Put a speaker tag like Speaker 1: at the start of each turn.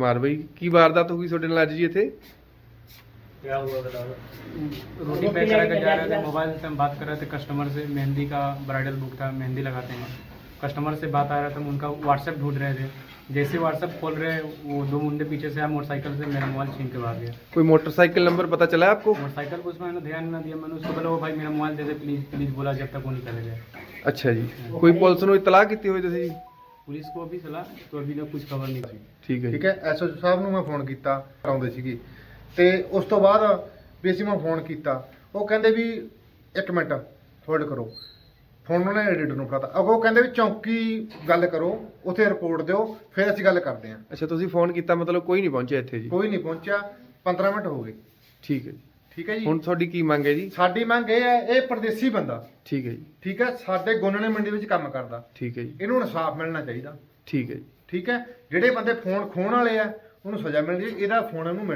Speaker 1: कुमार भाई की वारदात होगी ਤੁਹਾਡੇ ਨਾਲ ਅੱਜ ਜੀ ਇੱਥੇ?
Speaker 2: क्या हुआ बताओ। रोटी पैक करा कर जा रहे थे, मोबाइल से हम बात कर रहे थे कस्टमर से। मेहंदी का ब्राइडल बुक था, मेहंदी लगाते हैं। कस्टमर से बात आ रहा था, हम उनका व्हाट्सएप ढूंढ रहे थे। जैसे व्हाट्सएप खोल रहे वो दो मुंडे पीछे से आए, मोटरसाइकिल से मेरा मोबाइल छीन के भाग गया।
Speaker 1: कोई मोटरसाइकिल नंबर पता चला है आपको?
Speaker 2: मोटरसाइकिल को उसमें मैंने ध्यान ना दिया। मैंने उसको बोला वो भाई मेरा मोबाइल दे दे प्लीज़ प्लीज़, बोला जब तक वो नहीं चले गए।
Speaker 1: अच्छा जी, कोई पुलिस ਨੂੰ ਇਤਲਾਹ ਕੀਤੀ ਹੋਈ ਤੁਸੀਂ?
Speaker 2: पुलिस को अभी चला तो अभी तक कुछ खबर नहीं थी।
Speaker 1: ਠੀਕ ਹੈ ਜੀ।
Speaker 3: ਠੀਕ ਹੈ, ਐਸਓਜੀ ਸਾਹਿਬ ਨੂੰ ਮੈਂ ਫੋਨ ਕੀਤਾ, ਆਉਂਦੇ ਸੀਗੇ ਤੇ ਉਸ ਤੋਂ ਬਾਅਦ ਵੀ ਅਸੀਂ ਮੈਂ ਫੋਨ ਕੀਤਾ, ਉਹ ਕਹਿੰਦੇ ਵੀ 1 ਮਿੰਟ ਹੋਲਡ ਕਰੋ। ਫੋਨ ਉਹਨੇ ਐਡੀਟਰ ਨੂੰ ਫੜਾਤਾ, ਅੱਗੋਂ ਕਹਿੰਦੇ ਵੀ ਚੌਂਕੀ ਗੱਲ ਕਰੋ, ਉੱਥੇ ਰਿਪੋਰਟ ਦਿਓ, ਫਿਰ ਅਸੀਂ ਗੱਲ ਕਰਦੇ ਹਾਂ।
Speaker 1: ਅੱਛਾ ਤੁਸੀਂ ਫੋਨ ਕੀਤਾ, ਮਤਲਬ ਕੋਈ ਨਹੀਂ ਪਹੁੰਚਿਆ ਇੱਥੇ ਜੀ?
Speaker 3: ਕੋਈ ਨਹੀਂ ਪਹੁੰਚਿਆ, 15 ਮਿੰਟ ਹੋ ਗਏ।
Speaker 1: ਠੀਕ ਹੈ ਜੀ।
Speaker 3: ਠੀਕ ਹੈ ਜੀ,
Speaker 1: ਹੁਣ ਤੁਹਾਡੀ ਕੀ ਮੰਗ ਹੈ ਜੀ?
Speaker 3: ਸਾਡੀ ਮੰਗ ਇਹ ਹੈ, ਇਹ ਪਰਦੇਸੀ ਬੰਦਾ,
Speaker 1: ਠੀਕ ਹੈ ਜੀ।
Speaker 3: ਠੀਕ ਹੈ, ਸਾਡੇ ਗੋਨਣੇ ਮੰਡੀ ਵਿੱਚ ਕੰਮ ਕਰਦਾ,
Speaker 1: ਠੀਕ ਹੈ ਜੀ।
Speaker 3: ਇਹਨੂੰ ਇਨਸਾਫ ਮਿਲਣਾ ਚਾਹੀਦਾ।
Speaker 1: ਠੀਕ ਹੈ ਜੀ।
Speaker 3: ਠੀਕ ਹੈ, ਜਿਹੜੇ ਬੰਦੇ ਫੋਨ ਖੋਹਣ ਵਾਲੇ ਆ ਉਹਨੂੰ ਸਜ਼ਾ ਮਿਲਣੀ ਚਾਹੀਦੀ, ਇਹਦਾ ਫੋਨ ਇਹਨੂੰ